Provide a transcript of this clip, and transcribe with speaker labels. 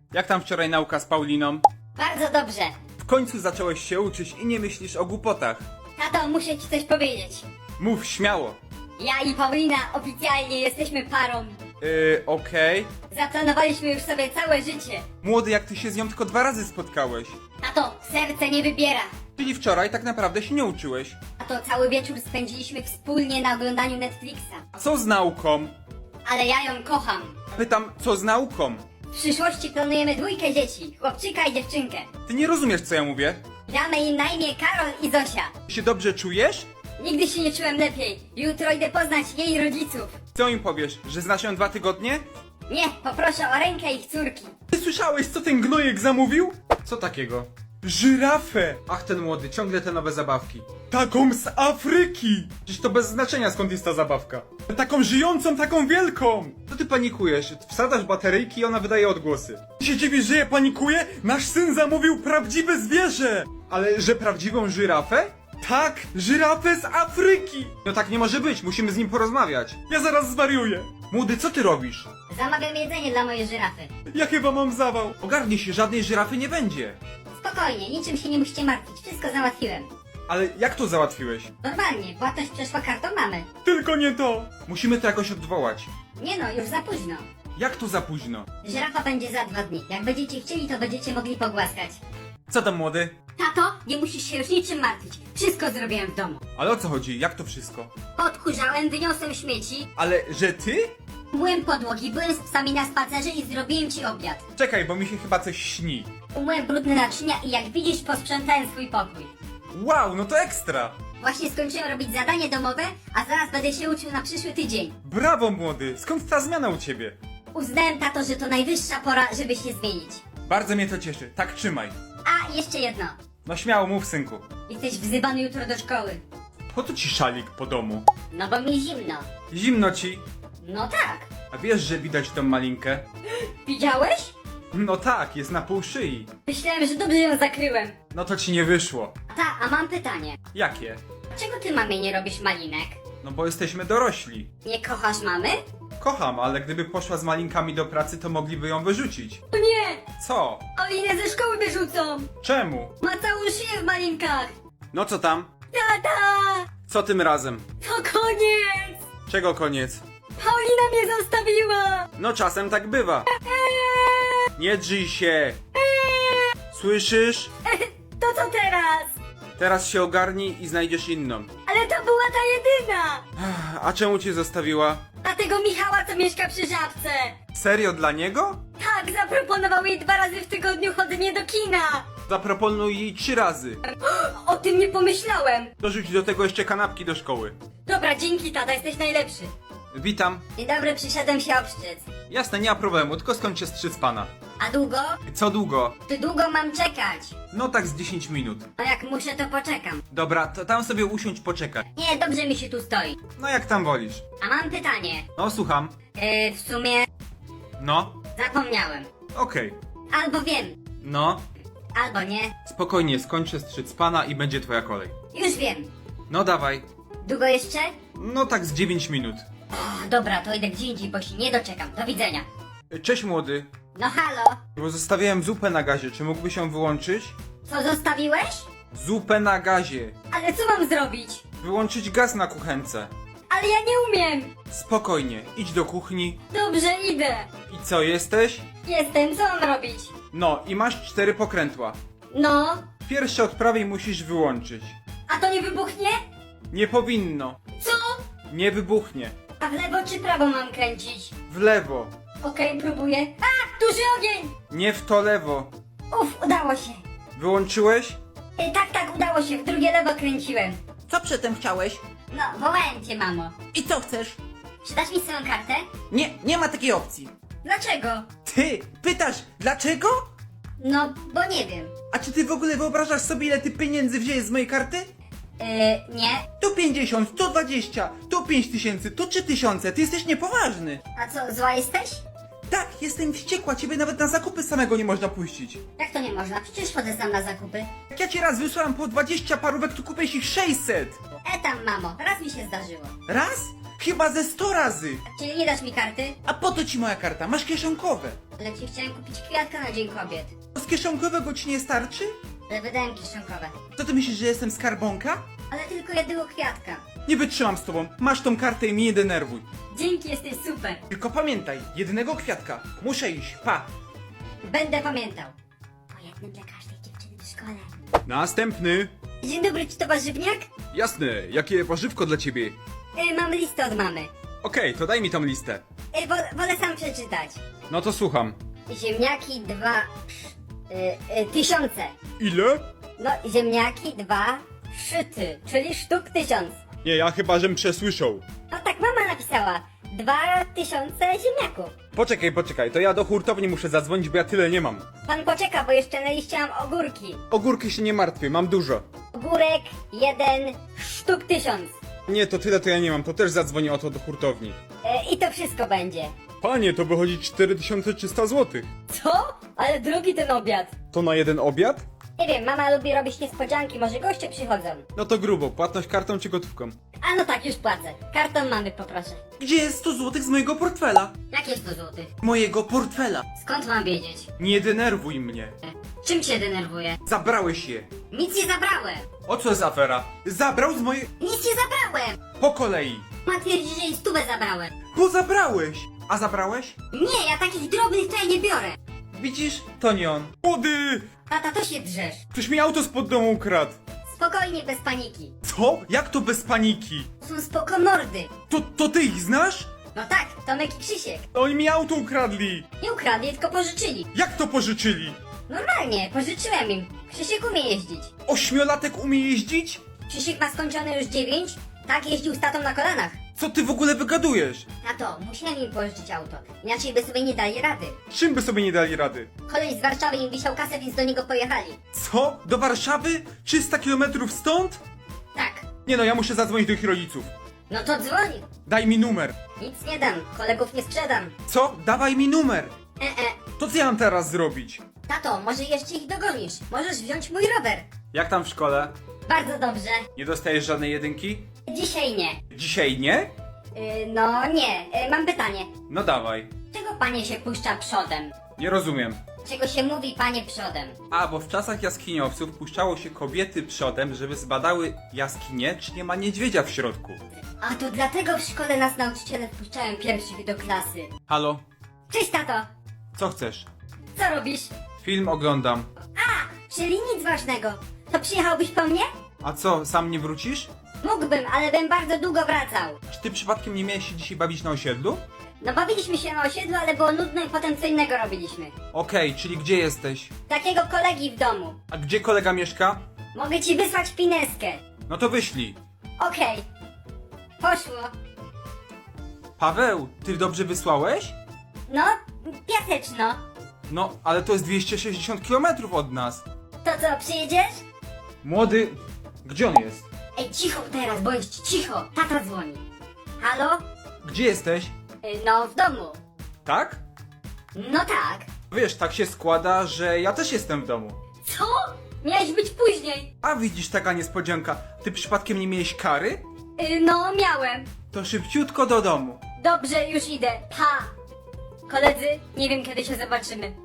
Speaker 1: Jak tam wczoraj nauka z Pauliną?
Speaker 2: Bardzo dobrze.
Speaker 1: W końcu zacząłeś się uczyć i nie myślisz o głupotach.
Speaker 2: Tato, muszę ci coś powiedzieć.
Speaker 1: Mów śmiało.
Speaker 2: Ja i Paulina oficjalnie jesteśmy parą.
Speaker 1: Okej.
Speaker 2: Zaplanowaliśmy już sobie całe życie.
Speaker 1: Młody, jak ty się z nią tylko 2 razy spotkałeś.
Speaker 2: Tato, serce nie wybiera.
Speaker 1: Czyli wczoraj tak naprawdę się nie uczyłeś.
Speaker 2: Tato, cały wieczór spędziliśmy wspólnie na oglądaniu Netflixa.
Speaker 1: A co z nauką?
Speaker 2: Ale ja ją kocham.
Speaker 1: Pytam, co z nauką?
Speaker 2: W przyszłości planujemy 2 dzieci, chłopczyka i dziewczynkę.
Speaker 1: Ty nie rozumiesz, co ja mówię?
Speaker 2: Damy im na imię Karol i Zosia.
Speaker 1: Ty się dobrze czujesz?
Speaker 2: Nigdy się nie czułem lepiej. Jutro idę poznać jej rodziców.
Speaker 1: Co im powiesz, że znasz ją 2 tygodnie?
Speaker 2: Nie, poproszę o rękę ich córki.
Speaker 1: Ty słyszałeś, co ten gnojek zamówił? Co takiego? Żyrafę! Ach, ten młody, ciągle te nowe zabawki. Taką z Afryki! Przecież to bez znaczenia, skąd jest ta zabawka. Taką żyjącą, taką wielką! Co ty panikujesz? Wsadzasz bateryjki i ona wydaje odgłosy. Ty się dziwisz, że ja panikuję? Nasz syn zamówił prawdziwe zwierzę! Ale, że prawdziwą żyrafę? Tak, żyrafę z Afryki! No tak nie może być, musimy z nim porozmawiać. Ja zaraz zwariuję. Młody, co ty robisz?
Speaker 2: Zamawiam jedzenie dla mojej żyrafy.
Speaker 1: Ja chyba mam zawał. Ogarnij się, żadnej żyrafy nie będzie.
Speaker 2: Spokojnie, niczym się nie musicie martwić, wszystko załatwiłem.
Speaker 1: Ale jak to załatwiłeś?
Speaker 2: Normalnie, płatność przeszła kartą mamy.
Speaker 1: Tylko nie to! Musimy to jakoś odwołać.
Speaker 2: Nie no, już za późno.
Speaker 1: Jak to za późno?
Speaker 2: Żyrafa będzie za 2 dni. Jak będziecie chcieli, to będziecie mogli pogłaskać.
Speaker 1: Co tam, młody?
Speaker 2: Tato, nie musisz się już niczym martwić. Wszystko zrobiłem w domu.
Speaker 1: Ale o co chodzi? Jak to wszystko?
Speaker 2: Odkurzałem, wyniosłem śmieci,
Speaker 1: Ale, że ty?
Speaker 2: umyłem podłogi, byłem z psami na spacerze i zrobiłem ci obiad.
Speaker 1: Czekaj, bo mi się chyba coś śni.
Speaker 2: Umyłem brudne naczynia i jak widzisz, posprzątałem swój pokój.
Speaker 1: Wow, no to ekstra!
Speaker 2: Właśnie skończyłem robić zadanie domowe, a zaraz będę się uczył na przyszły tydzień.
Speaker 1: Brawo, młody! Skąd ta zmiana u ciebie?
Speaker 2: Uznałem, tato, że to najwyższa pora, żeby się zmienić.
Speaker 1: Bardzo mnie to cieszy. Tak trzymaj.
Speaker 2: A, jeszcze jedno.
Speaker 1: No śmiało, mów, synku.
Speaker 2: Jesteś wzywany jutro do szkoły.
Speaker 1: Po co ci szalik po domu?
Speaker 2: No bo mi zimno.
Speaker 1: Zimno ci.
Speaker 2: No tak.
Speaker 1: A wiesz, że widać tą malinkę?
Speaker 2: Widziałeś?
Speaker 1: No tak, jest na pół szyi.
Speaker 2: Myślałem, że dobrze ją zakryłem.
Speaker 1: No to ci nie wyszło.
Speaker 2: A mam pytanie.
Speaker 1: Jakie?
Speaker 2: Dlaczego ty mamie nie robisz malinek?
Speaker 1: No bo jesteśmy dorośli.
Speaker 2: Nie kochasz mamy?
Speaker 1: Kocham, ale gdyby poszła z malinkami do pracy, to mogliby ją wyrzucić.
Speaker 2: O nie!
Speaker 1: Co?
Speaker 2: Olinę ze szkoły wyrzucą!
Speaker 1: Czemu?
Speaker 2: Ma całą szyję w malinkach!
Speaker 1: No co tam?
Speaker 2: Tata!
Speaker 1: Co tym razem?
Speaker 2: To koniec!
Speaker 1: Czego koniec?
Speaker 2: Paulina mnie zostawiła!
Speaker 1: No czasem tak bywa. Nie drzyj się. Słyszysz?
Speaker 2: To co teraz?
Speaker 1: Teraz się ogarnij i znajdziesz inną.
Speaker 2: Ale to była ta jedyna!
Speaker 1: A czemu cię zostawiła?
Speaker 2: A tego Michała, co mieszka przy Żabce!
Speaker 1: Serio dla niego?
Speaker 2: Tak, zaproponował jej 2 razy w tygodniu chodzenie do kina!
Speaker 1: Zaproponuj jej 3 razy.
Speaker 2: O tym nie pomyślałem!
Speaker 1: Dorzuć do tego jeszcze kanapki do szkoły.
Speaker 2: Dobra, dzięki tata, jesteś najlepszy.
Speaker 1: Witam.
Speaker 2: Dzień dobry, przyszedłem się obszczyc.
Speaker 1: Jasne, nie ma problemu, tylko skończę strzyc pana.
Speaker 2: A długo?
Speaker 1: Co długo?
Speaker 2: Czy długo mam czekać?
Speaker 1: No tak z 10 minut.
Speaker 2: No jak muszę, to poczekam.
Speaker 1: Dobra, to tam sobie usiądź, poczekaj.
Speaker 2: Nie, dobrze mi się tu stoi.
Speaker 1: No jak tam wolisz.
Speaker 2: A mam pytanie.
Speaker 1: No słucham.
Speaker 2: W sumie
Speaker 1: No,
Speaker 2: zapomniałem.
Speaker 1: okej.
Speaker 2: Albo wiem,
Speaker 1: No,
Speaker 2: albo nie.
Speaker 1: spokojnie, skończę strzyc pana i będzie twoja kolej.
Speaker 2: Już wiem.
Speaker 1: No dawaj.
Speaker 2: Długo jeszcze?
Speaker 1: No tak z 9 minut.
Speaker 2: O, dobra, to idę gdzie indziej, bo się nie doczekam. Do widzenia.
Speaker 1: Cześć młody.
Speaker 2: No halo?
Speaker 1: Bo zostawiałem zupę na gazie, czy mógłbyś ją wyłączyć?
Speaker 2: Co zostawiłeś?
Speaker 1: Zupę na gazie.
Speaker 2: Ale co mam zrobić?
Speaker 1: Wyłączyć gaz na kuchence.
Speaker 2: Ale ja nie umiem.
Speaker 1: Spokojnie, idź do kuchni.
Speaker 2: Dobrze, idę.
Speaker 1: I co, jesteś?
Speaker 2: Jestem, co mam robić?
Speaker 1: No, i masz 4 pokrętła.
Speaker 2: No,
Speaker 1: Pierwsze od prawej musisz wyłączyć.
Speaker 2: a to nie wybuchnie?
Speaker 1: Nie powinno.
Speaker 2: Co?
Speaker 1: Nie wybuchnie.
Speaker 2: A w lewo czy prawo mam kręcić?
Speaker 1: W lewo.
Speaker 2: Okej, próbuję. A, duży ogień!
Speaker 1: Nie w to lewo.
Speaker 2: Udało się.
Speaker 1: Wyłączyłeś?
Speaker 2: Tak, udało się, w drugie lewo kręciłem.
Speaker 3: Co przedtem chciałeś?
Speaker 2: No, wołałem cię, mamo.
Speaker 3: I co chcesz?
Speaker 2: Czy dasz mi swoją kartę?
Speaker 3: Nie, nie ma takiej opcji.
Speaker 2: Dlaczego?
Speaker 1: Ty, pytasz, dlaczego?
Speaker 2: No, bo nie wiem.
Speaker 1: A czy ty w ogóle wyobrażasz sobie, ile ty pieniędzy wzięłeś z mojej karty?
Speaker 2: Nie.
Speaker 1: Tu 50, tu 20, tu 5000, tu 3000, ty jesteś niepoważny.
Speaker 2: A co, zła jesteś?
Speaker 1: Tak, jestem wściekła, ciebie nawet na zakupy samego nie można puścić.
Speaker 2: Jak to nie można? Przecież chodzę sam na zakupy.
Speaker 1: Jak ja ci raz wysłałem po 20 parówek, to kupiłeś ich 600.
Speaker 2: Tam, mamo, raz mi się zdarzyło.
Speaker 1: Raz? Chyba ze 100 razy.
Speaker 2: Czyli nie dasz mi karty?
Speaker 1: A po to ci moja karta, masz kieszonkowe.
Speaker 2: Ale ci chciałem kupić kwiatka na Dzień Kobiet.
Speaker 3: Z kieszonkowego ci nie starczy?
Speaker 2: Ale wydałem kieszonkowe.
Speaker 3: Co ty myślisz, że jestem skarbonka?
Speaker 2: Ale tylko jednego kwiatka.
Speaker 1: Nie wytrzymam z tobą. Masz tą kartę i mnie nie denerwuj.
Speaker 2: Dzięki, jesteś super.
Speaker 1: Tylko pamiętaj, jednego kwiatka. Muszę iść, pa.
Speaker 2: Będę pamiętał. Po jednym dla każdej dziewczyny w szkole.
Speaker 1: Następny.
Speaker 2: Dzień dobry, czy to warzywniak?
Speaker 1: Jasne, jakie warzywko dla ciebie?
Speaker 2: Mam listę od mamy.
Speaker 1: Okej, to daj mi tą listę.
Speaker 2: Wolę sam przeczytać.
Speaker 1: No to słucham.
Speaker 2: Ziemniaki 1000.
Speaker 1: Ile?
Speaker 2: No, ziemniaki 2 szyty, czyli sztuk 1000.
Speaker 1: Nie, ja chyba żem przesłyszał.
Speaker 2: No tak mama napisała. 2000 ziemniaków.
Speaker 1: Poczekaj, to ja do hurtowni muszę zadzwonić, bo ja tyle nie mam.
Speaker 2: Pan poczeka, bo jeszcze na liście mam ogórki.
Speaker 1: Ogórki się nie martwię, mam dużo.
Speaker 2: Ogórek 1 sztuk 1000.
Speaker 1: Nie, to tyle to ja nie mam, to też zadzwonię o to do hurtowni.
Speaker 2: I to wszystko będzie.
Speaker 1: Panie, to wychodzi 4300 zł.
Speaker 2: Co? Ale drugi ten obiad.
Speaker 1: To na jeden obiad?
Speaker 2: Nie wiem, mama lubi robić niespodzianki, może goście przychodzą.
Speaker 1: No to grubo, płatność kartą czy gotówką?
Speaker 2: A no tak, już płacę. Kartą mamy poproszę.
Speaker 3: Gdzie jest 100 zł z mojego portfela?
Speaker 2: Jakie 100 złotych?
Speaker 3: Mojego portfela.
Speaker 2: Skąd mam wiedzieć?
Speaker 1: Nie denerwuj mnie.
Speaker 2: Czym się denerwuję?
Speaker 1: Zabrałeś je.
Speaker 2: Nic nie zabrałem!
Speaker 1: O co jest afera? Zabrał z mojej...
Speaker 2: Nic nie zabrałem!
Speaker 1: Po kolei.
Speaker 2: Ma twierdzi, że jej stówę zabrałem.
Speaker 1: Bo zabrałeś. A zabrałeś?
Speaker 2: Nie, ja takich drobnych tutaj nie biorę.
Speaker 1: Widzisz? To nie on. Młody!
Speaker 2: Tata, to się drzesz.
Speaker 1: Ktoś mi auto spod domu ukradł.
Speaker 2: Spokojnie, bez paniki.
Speaker 1: Co? Jak to bez paniki?
Speaker 2: Są spoko mordy.
Speaker 1: To ty ich znasz?
Speaker 2: No tak, Tomek i Krzysiek.
Speaker 1: Oni mi auto ukradli.
Speaker 2: Nie ukradli, tylko pożyczyli.
Speaker 1: Jak to pożyczyli?
Speaker 2: Normalnie, pożyczyłem im. Krzysiek umie jeździć.
Speaker 1: Ośmiolatek umie jeździć?
Speaker 2: Krzysiek ma skończone już 9. Tak jeździł z tatą na kolanach.
Speaker 1: Co ty w ogóle wygadujesz?
Speaker 2: Tato, musiałem im pożyczyć auto. Inaczej by sobie nie dali rady.
Speaker 1: Czym by sobie nie dali rady?
Speaker 2: Koleś z Warszawy im wisiał kasę, więc do niego pojechali.
Speaker 1: Co? Do Warszawy? 300 km stąd?
Speaker 2: Tak.
Speaker 1: Nie no, ja muszę zadzwonić do ich rodziców.
Speaker 2: No to dzwoń.
Speaker 1: Daj mi numer.
Speaker 2: Nic nie dam, kolegów nie sprzedam.
Speaker 1: Co? Dawaj mi numer.
Speaker 2: E.
Speaker 1: To co ja mam teraz zrobić?
Speaker 2: Tato, może jeszcze ich dogonisz. Możesz wziąć mój rower.
Speaker 1: Jak tam w szkole?
Speaker 2: Bardzo dobrze.
Speaker 1: Nie dostajesz żadnej jedynki?
Speaker 2: Dzisiaj nie.
Speaker 1: Dzisiaj nie?
Speaker 2: No nie. Mam pytanie.
Speaker 1: No dawaj.
Speaker 2: Czego panie się puszcza przodem?
Speaker 1: Nie rozumiem.
Speaker 2: Czego się mówi panie przodem?
Speaker 1: A, bo w czasach jaskiniowców puszczało się kobiety przodem, żeby zbadały jaskinie, czy nie ma niedźwiedzia w środku.
Speaker 2: A to dlatego w szkole nas nauczyciele wpuszczają pierwszych do klasy.
Speaker 1: Halo?
Speaker 2: Cześć tato.
Speaker 1: Co chcesz?
Speaker 2: Co robisz?
Speaker 1: Film oglądam.
Speaker 2: Czyli nic ważnego. To przyjechałbyś po mnie?
Speaker 1: A co, sam nie wrócisz?
Speaker 2: Mógłbym, ale bym bardzo długo wracał.
Speaker 1: Czy ty przypadkiem nie miałeś się dzisiaj bawić na osiedlu?
Speaker 2: No bawiliśmy się na osiedlu, ale było nudno i potem co innego robiliśmy.
Speaker 1: Okej, czyli gdzie jesteś?
Speaker 2: Takiego kolegi w domu.
Speaker 1: A gdzie kolega mieszka?
Speaker 2: Mogę ci wysłać pineskę.
Speaker 1: No to wyślij.
Speaker 2: Okej. Poszło.
Speaker 1: Paweł, ty dobrze wysłałeś?
Speaker 2: No, piaseczno.
Speaker 1: No, ale to jest 260 km od nas.
Speaker 2: To co, przyjedziesz?
Speaker 1: Młody, gdzie on jest?
Speaker 2: Ej, cicho teraz, bądź cicho. Tata dzwoni. Halo?
Speaker 1: Gdzie jesteś?
Speaker 2: No, w domu.
Speaker 1: Tak?
Speaker 2: No tak.
Speaker 1: Wiesz, tak się składa, że ja też jestem w domu.
Speaker 2: Co? Miałeś być później.
Speaker 1: A widzisz, taka niespodzianka. Ty przypadkiem nie miałeś kary?
Speaker 2: No, miałem.
Speaker 1: To szybciutko do domu.
Speaker 2: Dobrze, już idę. Pa. Koledzy, nie wiem kiedy się zobaczymy.